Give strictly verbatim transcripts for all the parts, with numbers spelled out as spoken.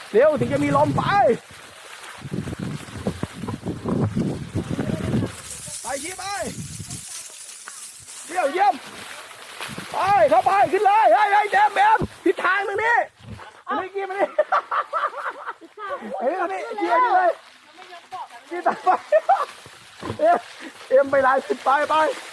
เร็วถึงจะมีลมไปไปชี้ไปเยี่ยมเยี่ยมไปเข้าไปขึ้นเลยเฮ้ยเฮ้ยแดมแบมทิศทางตรงนี้อันนี้กี้มาดิเฮ้ยอันนี้เกี่ยนี่เลยกี้ตามไปเอ็มเอ็มไปไล่ขึ้นไปไป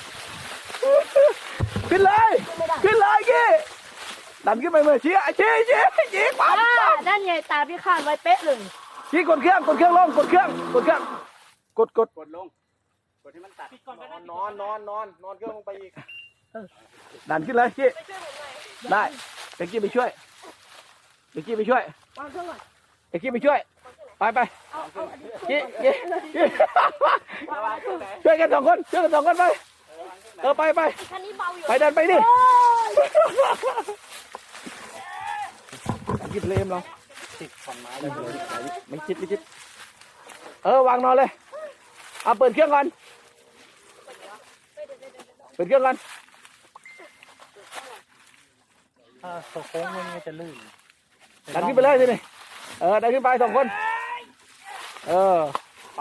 ขึ้นเลยขึ้นเลยกี้ดันขึ้นไปเมื่อชี้ชี้ชี้ชี้ปั๊บนั่นไงตามที่คาดไว้เป๊ะเลยชี้กดเครื่องกดเครื่องลงกดเครื่องกดเครื่องกดกดกดลงกดให้มันตัดนอนนอนนอนนอนเครื่องลงไปอีกดันขึ้นเลยกี้ได้เอ็กกี้ไปช่วยเอ็กกี้ไปช่วยวางเครื่องก่อนเอ็กกี้ไปช่วยไปไปเอาเอาอันนี้กี้กี้ช่วยกันสองคนช่วยกันสองคนไปเออไปไปคันนี้เบาอยู่ไปดันไปดิยิบเลมเราติดขอนไม้เลยไม่คิดไม่คิดเออวางนอนเลยเอาเปิดเครื่องก่อนเปิดเครื่องก่อนถ้าตัวโค้งมันจะลื่นดันขึ้นไปเลยสินี่เออดันขึ้นไปสองคนเออไป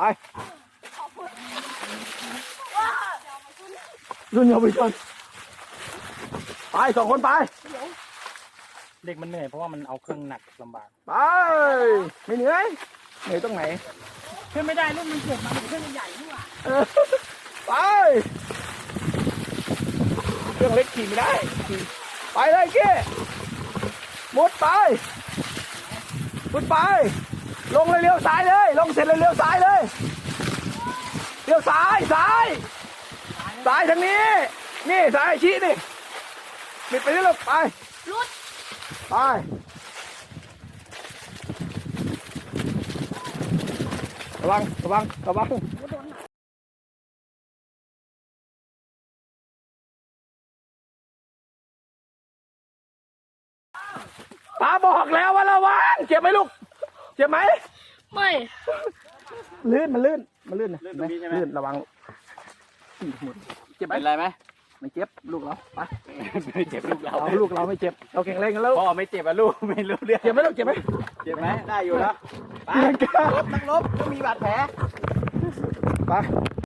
รุ่นเยาวชนไปสองคนไปเด็กมันเหนื่อยเพราะว่ามันเอาเครื่องหนักลำบากไปไม่เหนื่อยเหนื่อยตรงไหนขึ้นไม่ได้รุ่นมันเกิดมาเป็นเครื่องใหญ่นี่หว่าเออไปเครื่องเล็กขี่ไม่ได้ขี่ไปเลยเก้มุดไปมุดไปลงเลยเลี้ยวซ้ายเลยลงเสร็จเลยเลี้ยวซ้ายเลยเลี้ยวซ้ายซ้ายซ้ายทางนี้นี่ซ้ายชี้นี่ปิดไปนี่ลูกไปรุดไประวังระวังระวังตาบอกแล้วว่าระวังเจ็บไหมลูกเจ็บไหมไม่ลื่นมันลื่นมันลื่นนะเห็นไหมลื่นระวังเจ็บไหมเป็นไรไหมไม่เจ็บลูกเราไปไม่เจ็บลูกเราเราลูกเราไม่เจ็บเราแข็งแรงกันแล้วพ่อไม่เจ็บอะลูกไม่รู้เรื่องเจ็บไหมลูกเจ็บไหมเจ็บไหมได้อยู่แล้วไปลบนักลบก็มีบาดแผลไป